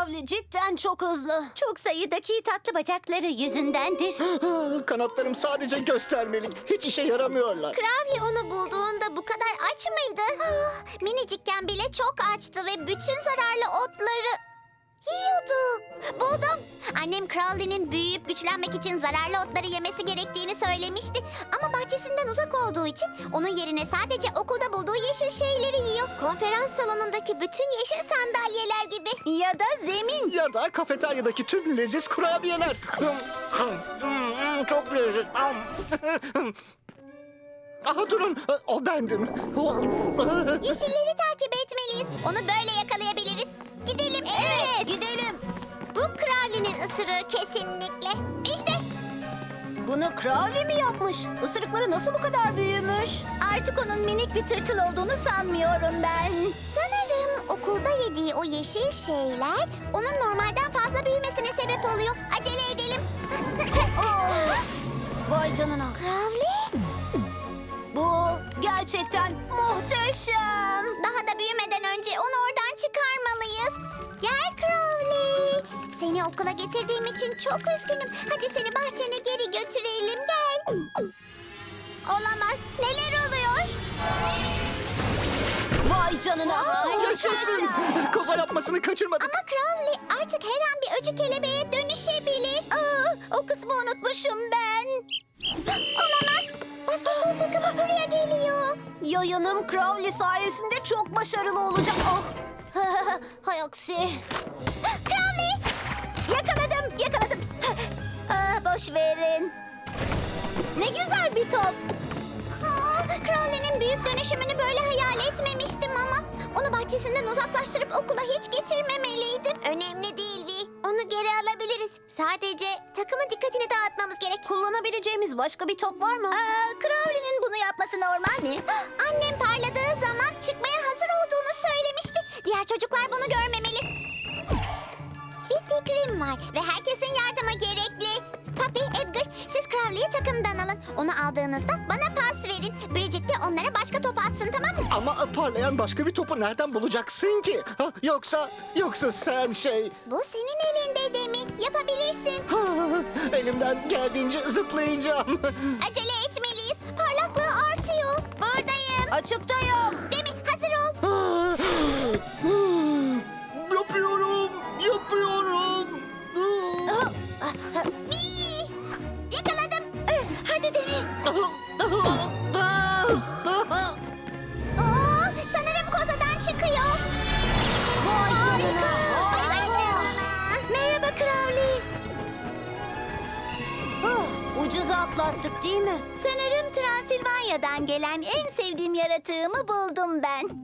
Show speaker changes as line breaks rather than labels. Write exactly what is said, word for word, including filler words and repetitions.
Crowley cidden çok hızlı.
Çok sayıdaki tatlı bacakları yüzündendir.
Kanatlarım sadece göstermelik. Hiç işe yaramıyorlar.
Crowley onu bulduğunda bu kadar aç mıydı? Ah, minicikken bile çok açtı ve bütün zararlı otları yiyordu. Buldum. Annem Crowley'nin büyüyüp güçlenmek için zararlı otları yemesi gerektiğini söylemişti. Ama bahçesinden uzak olduğu için onun yerine sadece okulda bulduğu yeşil şeyleri yiyor. Konferans salonundaki bütün yeşil sandalyeler gibi.
Ya da zemin.
Ya da kafeteryadaki tüm leziz kurabiyeler. Çok leziz. Aha durun, o bendim.
Yeşilleri takip etmeliyiz. Onu böyle yakalayabiliriz. Gidelim.
Evet, gidelim.
Bu Crowley'nin ısırığı kesinlikle. İşte
Bunu Crowley mi yapmış? Isırıkları nasıl bu kadar büyümüş?
Artık onun minik bir tırtıl olduğunu sanmıyorum ben.
sanırım okulda yediği o yeşil şeyler onun normalden fazla büyümesine sebep oluyor. Acele edelim.
Oh, vay canına.
Crowley,
Bu gerçekten muhteşem.
daha da büyümeden önce onu oradan çıkarmalıyız. Gel Crowley. Seni okula getirdiğim için çok üzgünüm. Hadi seni bahçene geri götürelim. Gel. Olamaz. Neler oluyor?
Vay canına.
Yaşasın. Koza yapmasını kaçırmadık.
Ama Crowley artık her an bir öcü kelebeğe dönüşebilir.
Aa, o kısmı unutmuşum ben.
Olamaz. Basketbol takımı buraya geliyor.
Yayınım Crowley sayesinde çok başarılı olacak. Oh. Hay aksi.
Crowley.
Yakaladım, yakaladım. Aa, boş verin.
Ne güzel bir top. Aa, Crowley'nin büyük dönüşümünü böyle hayal etmemiştim ama onu bahçesinden uzaklaştırıp okula hiç getirmemeliydim. Önemli değil Vi. Onu geri alabiliriz. Sadece takımın dikkatini dağıtmamız gerek.
Kullanabileceğimiz başka bir top var mı?
Aa, Crowley'nin bunu yapması normal mi?
Annem parladığı zaman çıkmaya hazır olduğunu söylemişti. Diğer çocuklar bunu görmemeli. Bir fikrim var ve herkesin yardıma gerekli. Papi, Edgar, siz Crowley'i takımdan alın. Onu aldığınızda bana pas verin. Bridget de onlara başka top atsın, tamam mı?
Ama parlayan başka bir topu nereden bulacaksın ki? Ha, yoksa, yoksa sen şey...
Bu senin elinde Demi. Yapabilirsin.
Ha, elimden geldiğince zıplayacağım.
Acele etmeliyiz. Parlaklığı artıyor. Buradayım.
Açıktayım.
Demi, hazır ol.
Yapıyorum, yapıyorum.
Bee! Yakaladım. Hadi Demi. Oo, sanırım kozadan çıkıyor.
Vay canına.
Vay canına.
Merhaba Crowley.
Ah, ucuz atlattık değil mi?
Sanırım Transilvanya'dan gelen en sevdiğim yaratığımı buldum ben.